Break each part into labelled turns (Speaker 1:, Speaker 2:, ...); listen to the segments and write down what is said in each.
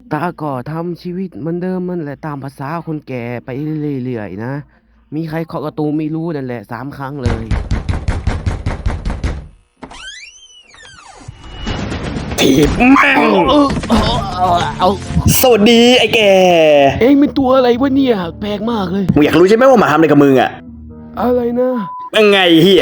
Speaker 1: ตาก็ทำชีวิตเหมือนเดิมมันแหละตามภาษาคนแก่ไปเรื่อยๆนะมีใครเคาะประตูไม่รู้นั่นแหละ3 ครั้งเลย
Speaker 2: ถีบแม่ง
Speaker 1: เอา
Speaker 2: สวัสดีไอ้แก
Speaker 1: เอ็งเป็นตัวอะไรวะเนี่ยแปลกมากเลย
Speaker 2: มึงอยากรู้ใช่ไหมว่าหมาทำอะไรกับมึงอ่ะ
Speaker 1: อะไรนะ
Speaker 2: ยังไงเฮีย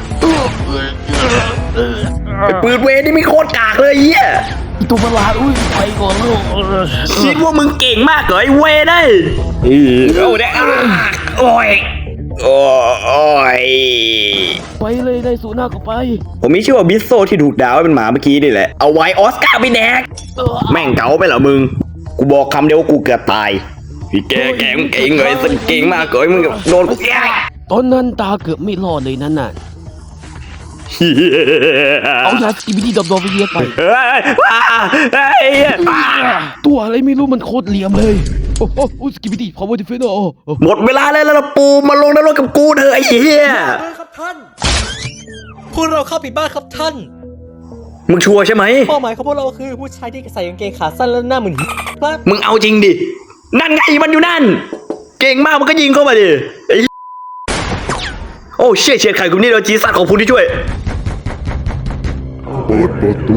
Speaker 2: ไอ้ปืนเวนี่ไม่โคตรกากเลยเฮีย
Speaker 1: ตัวประหลาดอุ้ยไปก่อนลูก
Speaker 2: คิดว่ามึงเก่งมากเหรอไอ้เวได้โอ้ยโอ้ยโอ้ย
Speaker 1: ไปเลยได้สูหน้าก็ไป
Speaker 2: ผมมีชื่อว่าบิสโซที่ถูกด่าว่าเป็นหมาเมื่อกี้นี่แหละเอาไว้ออสการ์ไปแดกแม่งเก๋าไปเหรอมึงกูบอกคำเดียวกูเกือบตายพี่แกเก่งเลยสังเก่งมากเลยมึงโดนกูแก
Speaker 1: ตอนนั้นตาเกือบไม่รอดเลยนั่นน่ะเอายาสกิบิดี้ดอมไปเรียกไปตัวอะไรไม่รู้มันโคตรเหลี่ยมเลยโอ้โหสกิบิดี้พาวเวอร์ดิเฟนเนอร์
Speaker 2: หมดเวลาแล้วเราปูมาลงนรกกับกูเถอะไอ้เหี้ย
Speaker 3: ครับท่านพวกเราเข้าผิดบ้านครับท่าน
Speaker 2: มึงชัวร์ใช่ไหม
Speaker 3: เป้าหมายของพวกเราคือผู้ชายที่ใส่กางเกงขาสั้นและหน้าเหมือนครับ
Speaker 2: มึงเอาจริงดินั่นไงมันอยู่นั่นเก่งมากมันก็ยิงเข้ามาดิโอ้เชี่ยไข่กูนี่เราจีสัตว์ของผู้ที่ช่วย
Speaker 4: เปิดประตู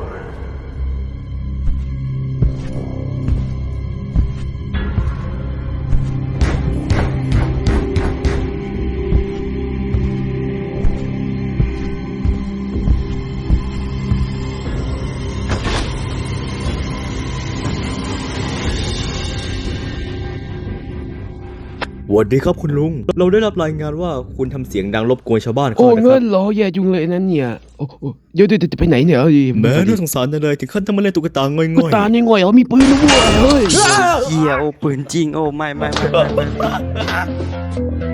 Speaker 3: สวัสดีครับคุณลุงเราได้รับรายงานว่าคุณทำเสียงดังรบกวนชาวบ้านเขา
Speaker 1: โอ้
Speaker 3: นะค
Speaker 1: เงิ
Speaker 3: รับ
Speaker 1: นเหรอแย่จุงเลยนั่นเนี่ยโอ้เดี๋ยวจะไปไหนเนี่ย
Speaker 3: แม่น่าสงสารจังเลยถึงขั้นต้องมาเล่นตุ๊กตาง่อยๆ
Speaker 1: ตาเนี่ยง่อยเหรอมีปืนนะเว้ยเฮ้ย
Speaker 5: เฮียโอปืนจริงโอ้ไม่